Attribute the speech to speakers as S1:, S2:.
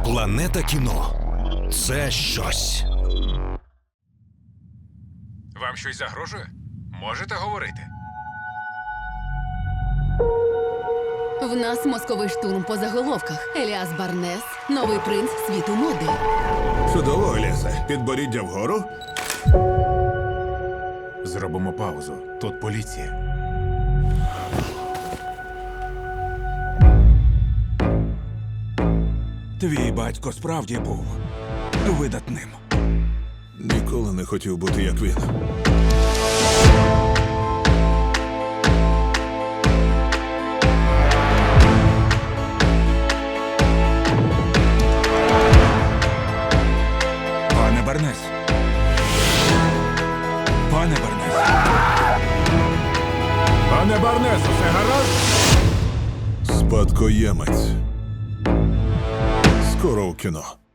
S1: Планета кіно – це щось.
S2: Вам щось загрожує? Можете говорити?
S3: В нас мозковий штурм по заголовках. Еліас Барнес – новий принц світу моди.
S4: Чудово, Еліасе. Підборіддя вгору.
S2: Зробимо паузу. Тут поліція.
S5: Твій батько справді був видатним.
S4: Ніколи не хотів бути як він.
S5: Пане Барнес. Пане Барнес.
S2: Пане Барнес, усе гаразд?
S4: Спадкоємець. Скоро у кіно.